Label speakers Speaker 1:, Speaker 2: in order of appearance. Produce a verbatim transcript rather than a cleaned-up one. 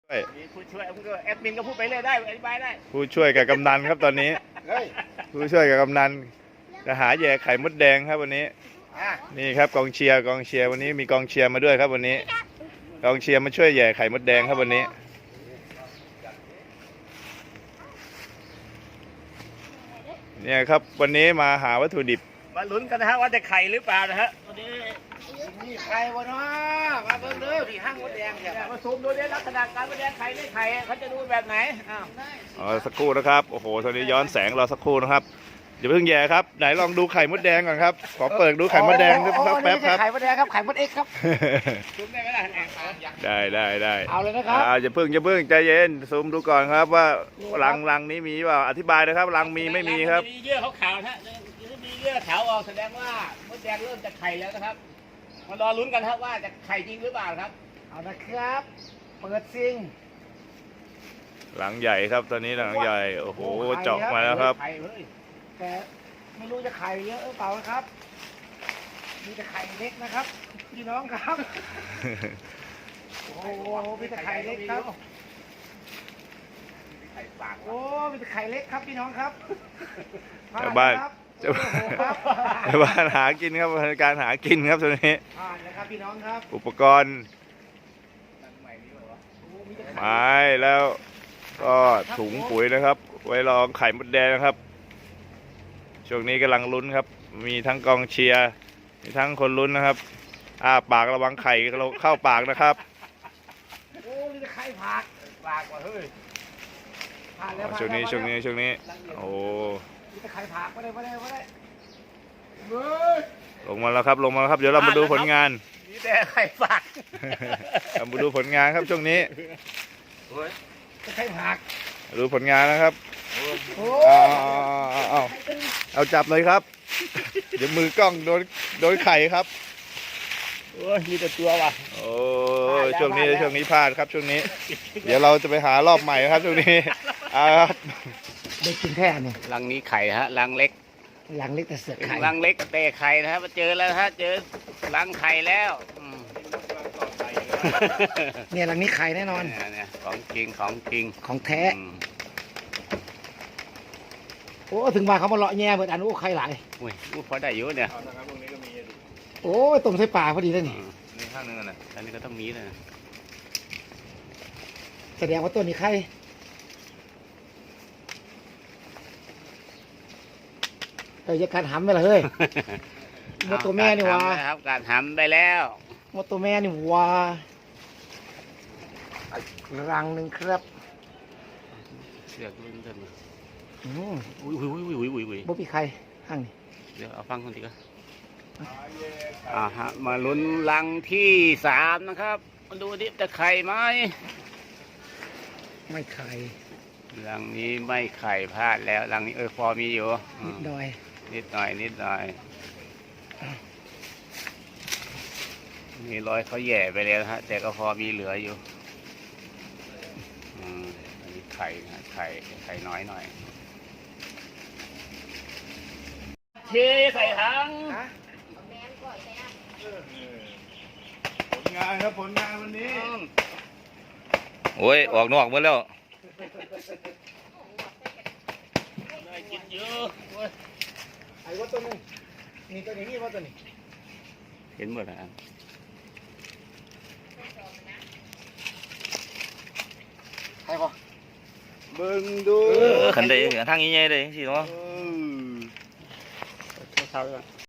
Speaker 1: มีผู้ช่วยผมก็แอดมินก็พูดไปเลยได้อธิบายได้
Speaker 2: ผู้ช่วยกับกำนันครับตอนนี้ผู้ช่วยกับกำนันจะหาแย่ไข่มดแดงครับวันนี้นี่ครับกองเชียร์กองเชียร์วันนี้มีกองเชียร์มาด้วยครับวันนี้กองเชียร์มาช่วยแย่ไข่มดแดงครับวันนี้เนี่ยครับวันนี้มาหาวัตถุดิบ
Speaker 1: มาลุ้นกันนะฮะว่าจะไข่หรือเปล่านะฮะวันนี้
Speaker 3: มีไข่วะเนาะมาเบิ่งเด้อที่ห้างมดแดงเนี่ย
Speaker 1: มาซูมดูเนี่ยลักษณะการมดแดงไข่ไม่ไข่เขาจะดูแบบไหนอ้าว
Speaker 2: อ๋อสักครู่นะครับโอ้โหตอนนี้ย้อนแสงรอสักครู่นะครับอย่าเพิ่งแย่ครับไหนลองดูไข่มดแดงก่อนครับขอเปิดดูไข่มดแดงสักแป๊บครับ
Speaker 3: ไข่มดแดงครับไข่มดเอ็กครับ
Speaker 1: ซูมได้ไหมล่ะ
Speaker 2: ได้ได้ได้
Speaker 3: เอาเลยนะครับ
Speaker 2: อย่าเพิ่งอย่าเพิ่งใจเย็นซูมดูก่อนครับว่ารังรังนี้มีเปล่าอธิบายนะครับรังมีไม่มีครับ
Speaker 1: มีเยื่อขาวๆนะมีเยื่อขาวออกแสดงว่ามดแดงเริ่มจะไข่แล้วนะครับมารอลุ้นกันครับว่าจะไข่จริงหรือเปล่าครับ
Speaker 3: เอานะครับเปิดซิง
Speaker 2: หลังใหญ่ครับตอนนี้หลังใหญ่โอ้โหเจาะมาแล้วครับ
Speaker 3: แต่ไม่รู้จะไข่เยอะหรือเปล่าครับมีแต่ไข่เล็กนะครับพี่น้องครับโอ้โหมีแต่ไข่เล็กครับโอ้มีแต่ไข่เล็กครับพี่น้องครับ
Speaker 2: ชาวบ้านชาวบ้านหากินครับการหากินครับตอนนี้
Speaker 3: ผ่านนะครับพี่น้องครับ
Speaker 2: อุปกรณ์ไม้แล้วก็ถุงปุ๋ยนะครับ ไว้รองไข่มดแดงนะครับช่วงนี้กำลังลุ้นครับมีทั้งกองเชียร์มีทั้งคนลุ้นนะครับอ้าปากระวังไข่เข้าปากนะครับ
Speaker 3: โอ้มีแต่ไข่ผักปากว่ะเฮ้ยผ่านแล้ว
Speaker 2: ช่วงนี้ช่วงนี้ช่วงนี้โอ้
Speaker 3: มีแต่ไข่ผักไม่ได้ไม่ได้ไม่ได้
Speaker 2: ลงมาแล้วครับลงมาแล้วครับเดี๋ยวเรามาดูผลงาน
Speaker 1: มีแต่ไข่ฝัก
Speaker 2: เรามาดูผลงานครับช่วงนี้
Speaker 3: ไข่ผัก
Speaker 2: ดูผลงานนะครับเอาเอาเอาจับเลยครับเดี๋ยวมือกล้องโดนโดนไข่ครับ
Speaker 1: โอ้ยมีแต่ตัวว่ะ
Speaker 2: โอ้ช่วงนี้ช่วงนี้พลาดครับช่วงนี้เดี๋ยวเราจะไปหารอบใหม่ครับช่วงนี้ครับ
Speaker 3: ได้กินแค่นี่
Speaker 1: รังนี้ไข่ฮะรังเล็ก
Speaker 3: รังเล็กแต่เสือกไข่
Speaker 1: รังเล็กแต่ไข่นะครับมาเจอแล้วฮะเจอรังไข่แล้ว
Speaker 3: เนี่ยรังนี้ไข่แน่นอน
Speaker 1: เนี่ยของจริงของจริง
Speaker 3: ของแท้โอ้ถึงมาเขามาเลาะแง่เหมือนอันโอ้ไข่หลาย
Speaker 1: อุ้ยพอได้อยู่เนี่ย
Speaker 3: โอ้ต้มใส่ปลาพอดีเลยนี่
Speaker 2: นี่ข้างนึงนะ
Speaker 1: อันนี้ก็ต้องมีเลย
Speaker 3: แสดงว่าตัวนี้ไข่เอ้ยจะการหำไปละเฮ้ยมดตัวแม่นี่วะ
Speaker 1: ครับการหำไปแล้ว
Speaker 3: มดตัวแม่นี่วะรังหนึ่งครับ
Speaker 1: เสือกลุ้นกัน
Speaker 3: อืม
Speaker 1: อุ้ยอุ้ยอุ้ยอุ้ยอุ้ยอุ้ย
Speaker 3: บ่มีใครห้างนี่
Speaker 1: เดี๋ยวเอาฟังคนทีก็อ่าฮะมาลุ้นรังที่สามนะครับมาดูดิจะไข่ไหม
Speaker 3: ไม่ไข่
Speaker 1: รังนี้ไม่ไข่พลาดแล้วรังนี้เออพอมีอยู่
Speaker 3: นิดหน่อย
Speaker 1: นิดหน่อยนิดหน่อยมีรอยเขาแย่ไปแล้วฮะแต่ก็พอมีเหลืออยู่อืมอันนี้ไข่นะไข่ไข่น้อยหน่อยเทใส่ถัง
Speaker 2: ผลงานครับผลงานวันนี้
Speaker 1: โอ้ยออกนอกหมดแล้วได้กินเยอะ
Speaker 3: ไอ้วัดตัวนึงนี่ตัวนี้นี่วัดตัวนี้
Speaker 1: เห็นหมดแล้ว
Speaker 3: ใช่ปะ
Speaker 2: เบิ่งดู
Speaker 1: ขันได้ทางนี้ไงเลยสิเนาะ